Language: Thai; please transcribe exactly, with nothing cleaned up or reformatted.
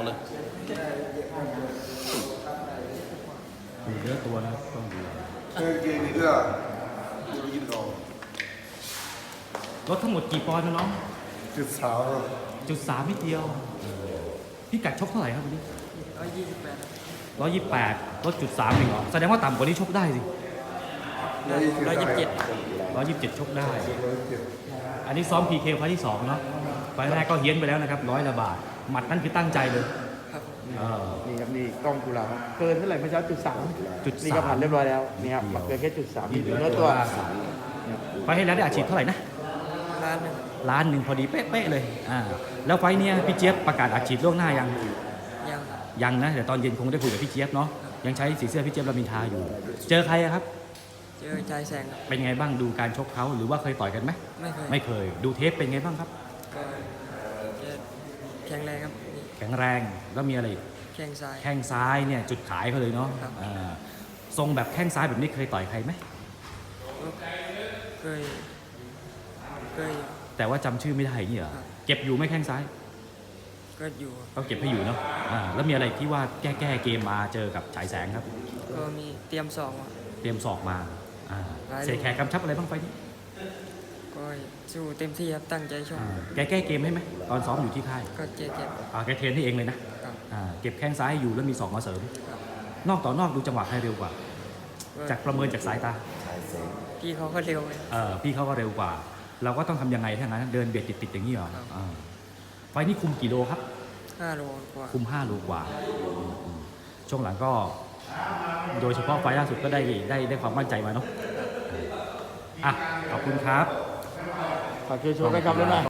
เลยดูเยอะตัวนะครับต้องดูเออเกมนี้ก็ดูยินก่อนรถทั้งหมดกี่ปอนด์นะน้องจุดสาวจุดสามนิดเดียวพี่กัดชกเท่าไหร่ครับวันนี้ร้อยยี่สิบแปดร้อยยี่สิบแปดลดจุดสามเองเหรอแสดงว่าต่ำกว่านี้ชกได้สิร้อยยี่สิบเจ็ดร้อยยี่สิบเจ็ดชกได้ อันนี้ซ้อม พี เค ไฟล์ที่สองเนาะไฟล์แรกก็เฮี้ยนไปแล้วนะครับร้อยละบาทหมัดนั่นคือตั้งใจเลยครับเออนี่ครับนี่กล้องกุหลาบเกินเท่าไหร่เมื่อเช้าจุดสามจุดนี่สาก็มผ่านเรียบร้อยแล้วนี่ครับเกินแค่จุดสามนี่เนื้อตัวไฟล์ให้แล้วได้อาชีพเท่าไหร่นะล้านหนึ่งล้านหนึ่งพอดีเป๊ะๆเลยอ่าแล้วไฟล์เนี้ยพี่เจี๊ยบประกาศอาชีพล่วงหน้ายังยังยังนะเดี๋ยวตอนเย็นคงได้คุยกับพี่เจี๊ยบเนาะยังใช้สีเสื้อพี่เจี๊ยบรามินทราอยู่ เจอใครอะครับเจอชายแสงครับเป็นไงบ้างดูการชกเขาหรือว่าเคยต่อยกันไหมไม่เคยไม่เคยดูเทปเป็นไงบ้างครับก็จะแข็งแรงครับนี่แข็งแรงแล้วมีอะไรอีกแข้งซ้ายแข้งซ้ายเนี่ยจุดขายเขาเลยเนาะครับอ่าทรงแบบแข้งซ้ายแบบนี้เคยต่อยใครไหมก็เคยเคยแต่ว่าจำชื่อไม่ได้อย่างนี่เหรอครับเก็บอยู่ไหม่แข้งซ้ายก็อยู่ก็เก็บให้อยู่เนาะอ่าแล้วมีอะไรที่ว่าแก้แก้เกมมาเจอกับฉายแสงครับก็มีเตรียมสองมาเตรียมศอกมาอ่าได้เสกแขกกำชับอะไรบ้างไฟล์นี้ก็สู้เต็มที่ครับตั้งใจชกอ่าแกแก้เกมให้ไหมตอนซ้อมอยู่ที่ค่ายก็เจ็บเจ็บอ่าแกเทรนให้เองเลยนะครับ อ่าเก็บแข้งซ้ายให้อยู่แล้วมีศอกมาเสริมครับนอกต่อนอกดูจังหวะใครเร็วกว่าก็จากประเมินจากสายตาพี่เขาก็เร็วเลยเออพี่เขาก็เร็วกว่า เราก็ต้องทำยังไงถ้างั้นเดินเบียดติดๆอย่างนี้เหรอครับอ่าไฟล์นี้คุมกี่โลครับห้าโลกว่าคุมห้าโลกว่าอืมช่วงหลังก็ โดยเฉพาะไฟล์ล่าสุดก็ได้ได้ได้ความมั่นใจมาเนาะอ่ะขอบคุณครับฝากช่วยโชว์กันครับแล้วนะ